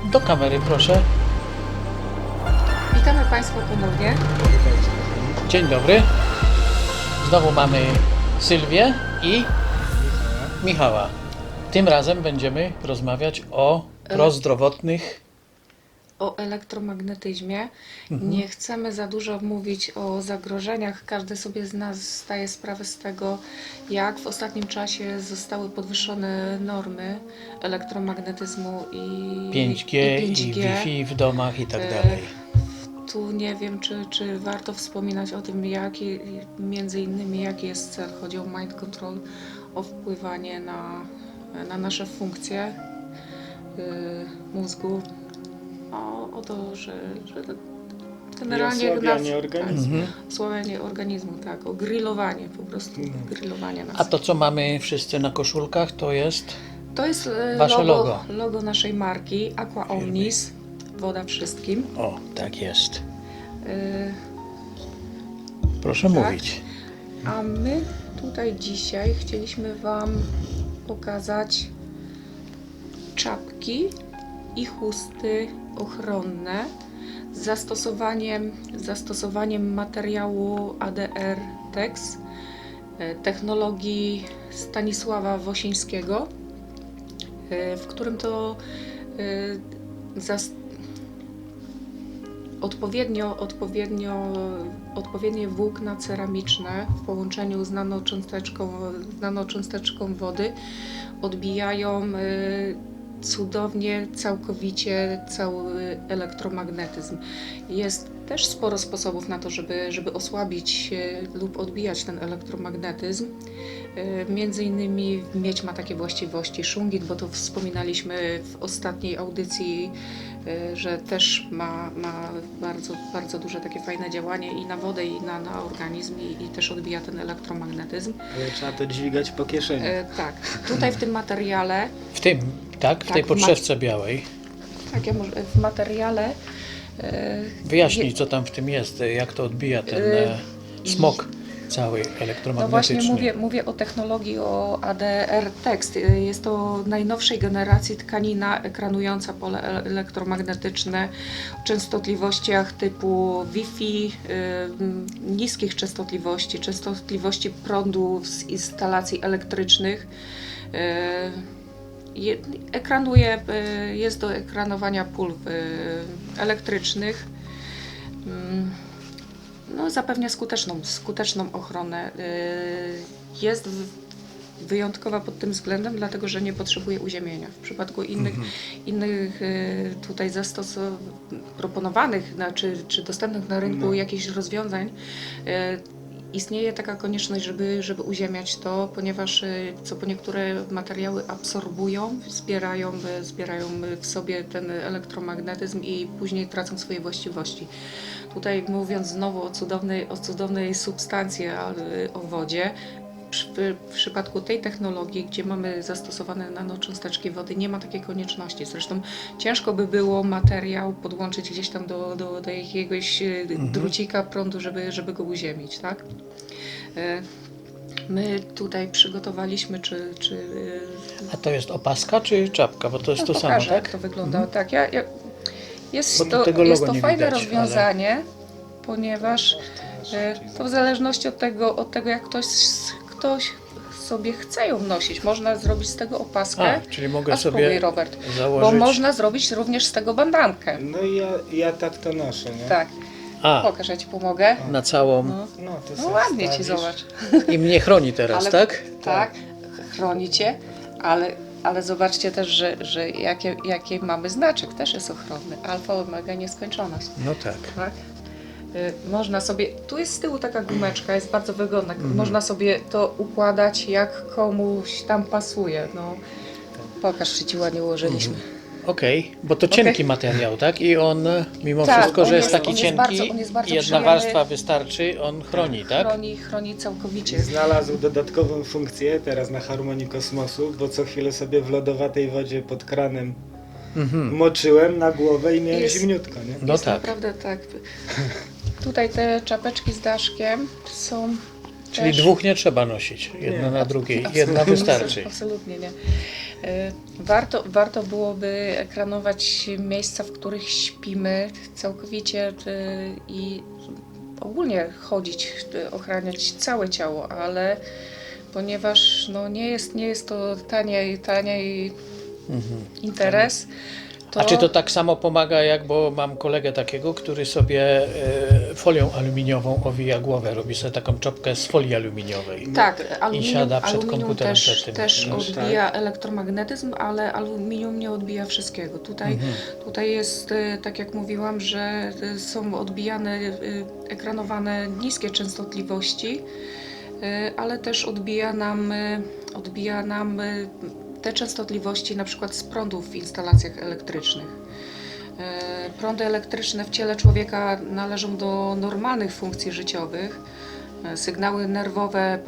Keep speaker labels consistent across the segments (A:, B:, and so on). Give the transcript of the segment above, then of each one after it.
A: Do kamery proszę.
B: Witamy Państwa ponownie.
A: Dzień dobry. Znowu mamy Sylwię i Michała. Tym razem będziemy rozmawiać o prozdrowotnych.
B: O elektromagnetyzmie. Nie chcemy za dużo mówić o zagrożeniach. Każdy sobie z nas zdaje sprawę z tego, jak w ostatnim czasie zostały podwyższone normy elektromagnetyzmu i
A: 5G i Wi-Fi w domach i tak dalej.
B: Tu nie wiem, czy warto wspominać o tym, między innymi jaki jest cel. Chodzi o mind control, o wpływanie na nasze funkcje mózgu, o to, że generalnie
C: osłabianie organizmu.
B: osłabianie organizmu, tak, o grillowanie, po prostu grillowanie nas.
A: A to, co mamy wszyscy na koszulkach, to jest
B: To jest
A: wasze logo.
B: logo naszej marki Aqua Omnis, woda wszystkim.
A: O, tak jest.
B: Y,
A: Proszę
B: Tak.
A: mówić.
B: A my tutaj dzisiaj chcieliśmy Wam pokazać czapki i chusty ochronne z zastosowaniem materiału ADR Tex, technologii Stanisława Wosińskiego, w którym to odpowiednie włókna ceramiczne w połączeniu z nanocząsteczką wody odbijają cudownie, całkowicie cały elektromagnetyzm. Jest też sporo sposobów na to, żeby osłabić lub odbijać ten elektromagnetyzm. Między innymi miedź ma takie właściwości, szungit, bo to wspominaliśmy w ostatniej audycji, że też ma bardzo, bardzo duże takie fajne działanie i na wodę, i na organizm, i też odbija ten elektromagnetyzm.
C: Ale trzeba to dźwigać po kieszeni.
B: Tak, tutaj w tym materiale,
A: W tym, tak? W tej podszewce białej.
B: tak, w materiale
A: Wyjaśnij, co tam w tym jest, jak to odbija ten smog cały
B: no właśnie
A: elektromagnetyczny.
B: mówię o technologii, o ADR Text. Jest to najnowszej generacji tkanina ekranująca pole elektromagnetyczne o częstotliwościach typu Wi-Fi, niskich częstotliwości prądu z instalacji elektrycznych. Ekranuje, jest do ekranowania pól elektrycznych. No, zapewnia skuteczną ochronę. Jest wyjątkowa pod tym względem, dlatego że nie potrzebuje uziemienia. W przypadku innych tutaj proponowanych czy dostępnych na rynku jakichś rozwiązań istnieje taka konieczność, żeby uziemiać to, ponieważ po niektóre materiały absorbują, zbierają w sobie ten elektromagnetyzm i później tracą swoje właściwości. Tutaj mówiąc znowu o cudownej substancji, o wodzie, w przypadku tej technologii, gdzie mamy zastosowane nanocząsteczki wody, nie ma takiej konieczności. Zresztą ciężko by było materiał podłączyć gdzieś tam do jakiegoś drucika prądu, żeby go uziemić, tak? My tutaj przygotowaliśmy,
A: A to jest opaska czy czapka? Bo to jest to samo,
B: pokażę,
A: tak?
B: jak to wygląda. Tak, jest
A: Bo
B: to,
A: tego
B: jest
A: logo
B: to
A: nie
B: fajne
A: widać,
B: rozwiązanie, ponieważ to w zależności od tego jak ktoś sobie chce ją nosić. Można zrobić z tego opaskę.
A: Czyli mogę
B: A
A: sobie
B: spróbuj, Robert,
A: założyć.
B: bo można zrobić również z tego bandankę.
C: No i ja tak to noszę, nie?
B: Tak, pokaż, ja Ci pomogę.
A: Na całą.
C: No, to
B: No
C: sobie
B: ładnie Ci,
C: wstawisz.
B: zobacz.
A: I mnie chroni teraz,
B: Ale-
A: tak?
B: Tak, chroni Cię, ale zobaczcie też, że jaki mamy znaczek, też jest ochronny. Alfa, omega, nieskończoność.
A: No tak.
B: Tak? Można sobie, tu jest z tyłu taka gumeczka, jest bardzo wygodna, można sobie to układać jak komuś tam pasuje. No, pokaż, czy Ci ładnie ułożyliśmy.
A: Okej, bo to cienki materiał, tak? I on, mimo
B: Tak,
A: wszystko,
B: on
A: że jest
B: jest-
A: taki
B: on jest
A: cienki,
B: bardzo- on jest bardzo
A: jedna
B: przyjemny.
A: warstwa wystarczy, on chroni, tak?
B: Chroni całkowicie.
C: Znalazł dodatkową funkcję teraz na Harmonii Kosmosu, bo co chwilę sobie w lodowatej wodzie pod kranem moczyłem na głowę i miałem
B: Jest-
C: zimniutko, nie?
A: No
B: Jest
A: tak.
B: naprawdę tak. Tutaj te czapeczki z daszkiem są
A: Czyli
B: też...
A: dwóch nie trzeba nosić, jedna na drugiej, jedna wystarczy.
B: Absolutnie nie. Warto byłoby ekranować miejsca, w których śpimy całkowicie i ogólnie chodzić, ochraniać całe ciało, ale ponieważ no, nie jest to taniej interes,
A: A czy to tak samo pomaga, bo mam kolegę takiego, który sobie folią aluminiową owija głowę, robi sobie taką czopkę z folii aluminiowej.
B: tak,
A: siada przed
B: aluminium
A: komputerem przed tym.
B: też
C: No
B: odbija elektromagnetyzm, ale aluminium nie odbija wszystkiego. Tutaj jest, tak jak mówiłam, że są odbijane, ekranowane niskie częstotliwości, ale też odbija nam te częstotliwości na przykład z prądów w instalacjach elektrycznych. Prądy elektryczne w ciele człowieka należą do normalnych funkcji życiowych. Sygnały nerwowe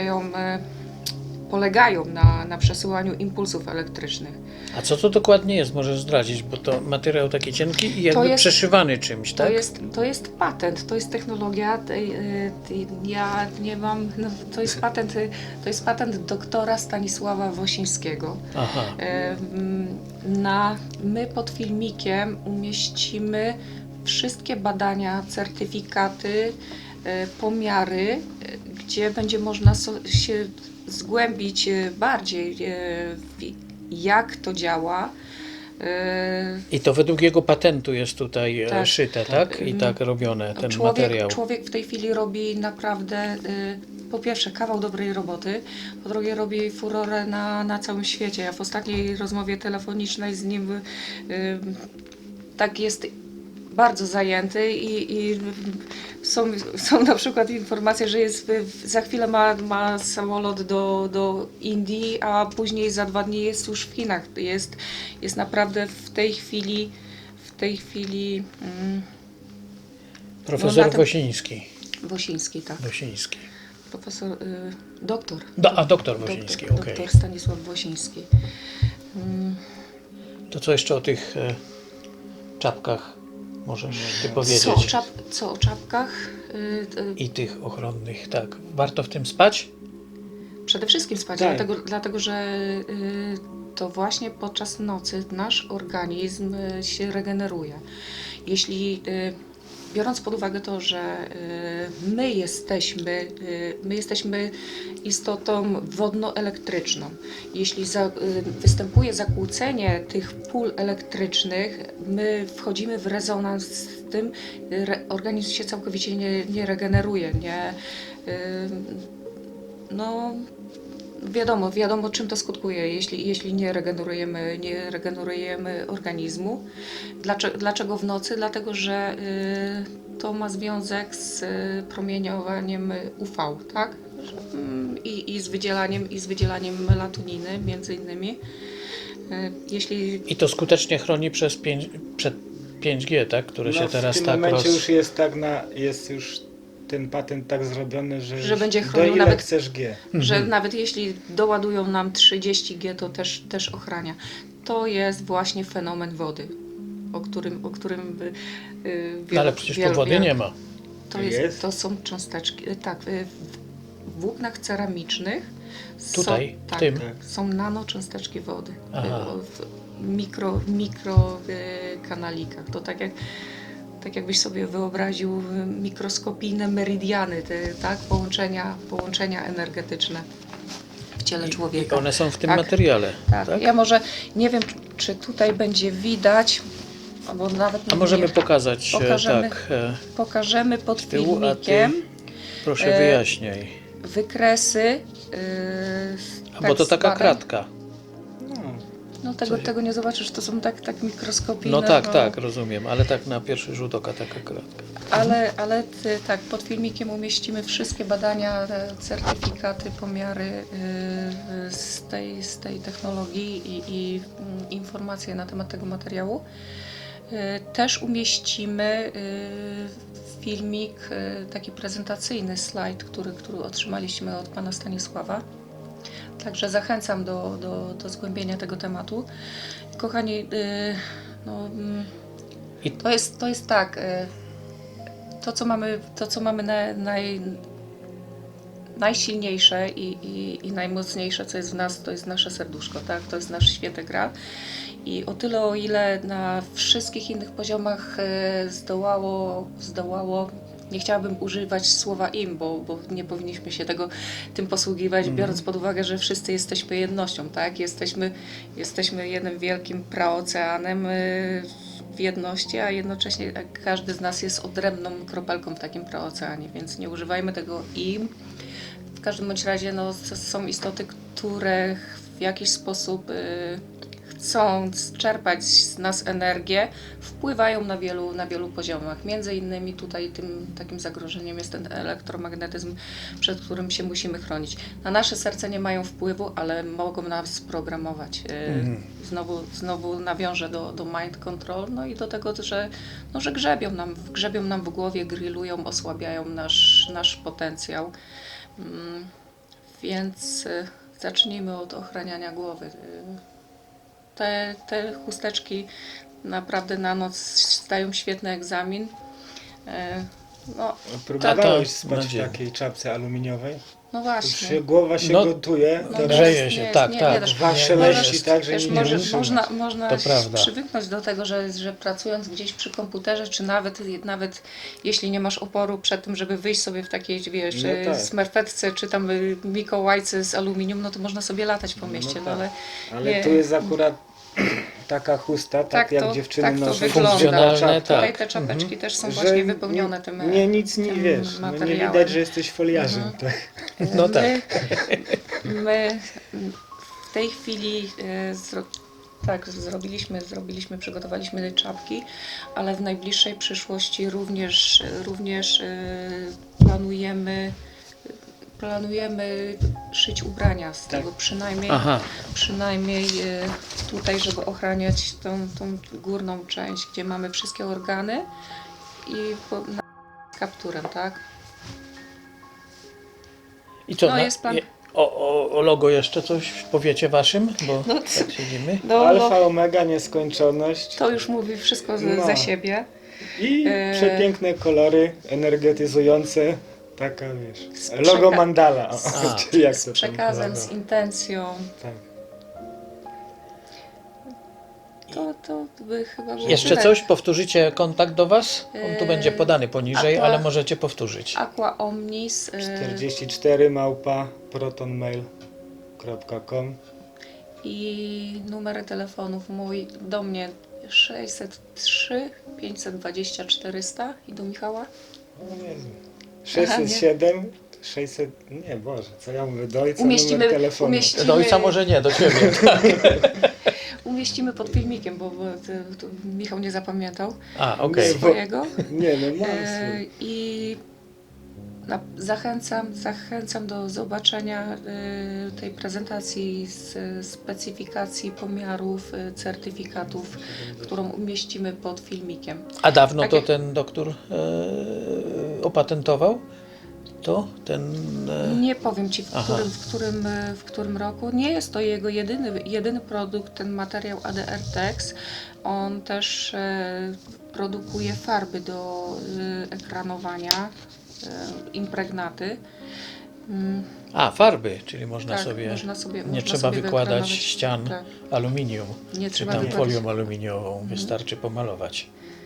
B: polegają na przesyłaniu impulsów elektrycznych.
A: A co to dokładnie jest? Możesz zdradzić, bo to materiał taki cienki i jakby przeszywany czymś, tak?
B: To jest patent, to jest technologia. Ja nie mam. No, to jest patent doktora Stanisława Wosińskiego.
A: Aha.
B: My pod filmikiem umieścimy wszystkie badania, certyfikaty, pomiary, gdzie będzie można się zgłębić bardziej, jak to działa.
A: I to według jego patentu jest tutaj
B: Tak.
A: szyte, tak? I tak robione, ten materiał.
B: Człowiek w tej chwili robi naprawdę, po pierwsze, kawał dobrej roboty, po drugie, robi furorę na całym świecie. Ja w ostatniej rozmowie telefonicznej z nim tak jest bardzo zajęty i są na przykład informacje, że za chwilę ma samolot do Indii, a później za 2 dni jest już w Chinach. Jest naprawdę w tej chwili
A: Profesor Wosiński.
B: Wosiński, tak.
A: Wosiński.
B: Profesor, doktor.
A: Doktor Wosiński, okej.
B: Doktor Stanisław Wosiński.
A: To co jeszcze o tych czapkach możesz ty powiedzieć?
B: Co o czapkach?
A: I tych ochronnych, tak. Warto w tym spać?
B: Przede wszystkim spać,
C: Tak.
B: dlatego że to właśnie podczas nocy nasz organizm się regeneruje. Jeśli biorąc pod uwagę to, że my jesteśmy istotą wodnoelektryczną, jeśli występuje zakłócenie tych pól elektrycznych, my wchodzimy w rezonans z tym, organizm się całkowicie nie regeneruje, no wiadomo czym to skutkuje, jeśli nie regenerujemy organizmu. Dlaczego w nocy? Dlatego, że to ma związek z promieniowaniem UV, tak? I z wydzielaniem melatoniny między innymi.
A: I to skutecznie chroni przed 5G, tak? Które się teraz
C: w tym
A: tak
C: momencie już jest już ten patent tak zrobiony, że
B: będzie
C: do
B: chronił
C: ile
B: nawet
C: chcesz G.
B: że nawet jeśli doładują nam 30G, to też ochrania. To jest właśnie fenomen wody, o którym
A: ale przecież tu wody nie ma.
B: To są cząsteczki, tak, w włóknach ceramicznych
A: Tutaj, w tym?
B: są nanocząsteczki wody.
A: Aha.
B: W mikro kanalikach. To tak jakbyś sobie wyobraził mikroskopijne meridiany, tak? Połączenia energetyczne w ciele człowieka.
A: I one są w tym
B: Tak,
A: materiale.
B: Tak. Ja może nie wiem, czy tutaj będzie widać, albo nawet
A: A możemy pokazać
B: pokażemy pod
A: tyłu,
B: filmikiem.
A: Proszę wyjaśniaj.
B: Wykresy.
A: Bo to taka kratka.
B: No tego nie zobaczysz, to są tak mikroskopijne.
A: No tak, rozumiem, ale tak na pierwszy rzut oka taka kratka.
B: Ale tak, pod filmikiem umieścimy wszystkie badania, certyfikaty, pomiary z tej technologii i informacje na temat tego materiału. Też umieścimy filmik, taki prezentacyjny slajd, który otrzymaliśmy od pana Stanisława. Także zachęcam do zgłębienia tego tematu. Kochani, to jest tak, to co mamy najsilniejsze i najmocniejsze, co jest w nas, to jest nasze serduszko, tak? To jest nasz święty gral. I o tyle, o ile na wszystkich innych poziomach zdołało, nie chciałabym używać słowa im, bo nie powinniśmy się tym posługiwać, biorąc pod uwagę, że wszyscy jesteśmy jednością, tak? Jesteśmy jednym wielkim praoceanem w jedności, a jednocześnie każdy z nas jest odrębną kropelką w takim praoceanie, więc nie używajmy tego im. W każdym bądź razie no, są istoty, które w jakiś sposób chcąc czerpać z nas energię, wpływają na wielu poziomach. Między innymi tutaj tym takim zagrożeniem jest ten elektromagnetyzm, przed którym się musimy chronić. Na nasze serce nie mają wpływu, ale mogą nas programować. Znowu nawiążę do mind control, no i do tego, że grzebią nam w głowie, grillują, osłabiają nasz potencjał. Więc zacznijmy od ochraniania głowy. Te chusteczki naprawdę na noc zdają świetny egzamin. No,
C: Próbowałeś
A: to
C: spać w
A: nadzieję.
C: takiej czapce aluminiowej?
B: no właśnie.
C: Głowa się
A: No,
C: gotuje,
B: No,
C: to
A: grzeje się, tak.
C: wasze
A: Nie,
C: leści
A: jest-
C: tak, że
B: Wiesz,
C: nie wytrzyma.
B: można
A: To prawda.
B: przywyknąć do tego, że pracując gdzieś przy komputerze, czy nawet jeśli nie masz oporu przed tym, żeby wyjść sobie w takiej, wiesz,
C: No tak.
B: smerfetce, czy tam mikołajce z aluminium, no to można sobie latać po mieście,
C: tak.
B: no ale
C: Ale
B: nie.
C: tu jest akurat taka chusta, tak jak dziewczyny
B: tak to
C: noszą.
B: wygląda.
A: Funkcjonalne,
C: czapkę,
A: tak.
B: Tutaj te czapeczki też są
C: że
B: właśnie wypełnione tym
C: nie, nic nie
B: tym
C: wiesz, no nie
B: materiałem.
C: widać, że jesteś foliarzem. Tak.
A: No tak.
B: My w tej chwili przygotowaliśmy czapki, ale w najbliższej przyszłości również planujemy szyć ubrania z tego
A: Aha.
B: przynajmniej tutaj, żeby ochraniać tą górną część, gdzie mamy wszystkie organy i z kapturem, tak?
A: I co,
B: No, jest plan.
A: o logo jeszcze coś powiecie waszym? Bo
B: No,
A: tak siedzimy.
C: Alfa, omega, nieskończoność
B: to już mówi wszystko
C: No.
B: za siebie.
C: i przepiękne kolory energetyzujące. Taka, wiesz,
B: Z
C: logo
B: przeka-
C: mandala.
A: A.
C: Czy jak
B: Z
C: to tam
B: przekazem,
C: logo?
B: z intencją.
C: Tak.
B: To by chyba było
A: Jeszcze
B: tyle.
A: coś? Powtórzycie kontakt do was? On tu będzie podany poniżej,
B: Aqua-
A: ale możecie powtórzyć.
B: Aqua Omnis
C: 44 protonmail.com.
B: i numery telefonów mój do mnie 603 520 400 i do Michała.
C: O Jezu. 607, 600, nie Boże, co ja mówię, do ojca numer telefonu.
A: Do ojca może nie, do ciebie.
B: Umieścimy pod filmikiem, bo to Michał nie zapamiętał
A: A, okej.
C: Bo-
B: swojego.
C: Nie, no mam swój.
B: I zachęcam do zobaczenia tej prezentacji z specyfikacji pomiarów, certyfikatów, którą umieścimy pod filmikiem.
A: A dawno
B: Tak
A: to
B: jak-
A: ten doktor opatentował? To ten...
B: Nie powiem Ci
A: Aha.
B: w którym roku. Nie jest to jego jedyny produkt, ten materiał ADR Tex. On też produkuje farby do ekranowania, impregnaty.
A: farby, czyli można
B: Tak,
A: sobie...
B: można sobie-
A: nie
B: można
A: trzeba
B: sobie
A: wykładać
B: wyekranować.
A: ścian
B: Tak.
A: aluminium,
B: Nie
A: czy
B: trzeba
A: tam
B: wykładać.
A: folią aluminiową. Wystarczy pomalować.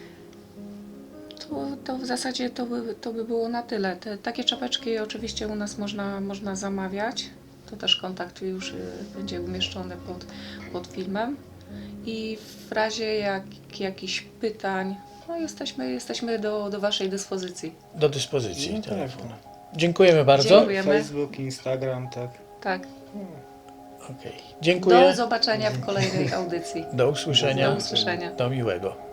B: To w zasadzie to by było na tyle. Takie czapeczki oczywiście u nas można zamawiać. To też kontakt już będzie umieszczony pod filmem. I w razie jakichś pytań, no jesteśmy do Waszej dyspozycji.
A: Do dyspozycji
C: No tak,
A: telefonu.
C: no.
A: Dziękujemy bardzo.
B: Dziękujemy.
C: Facebook, Instagram, tak.
B: Tak.
A: Okej. Dziękuję.
B: Do zobaczenia w kolejnej audycji.
A: Do usłyszenia.
B: Do usłyszenia.
A: Do miłego.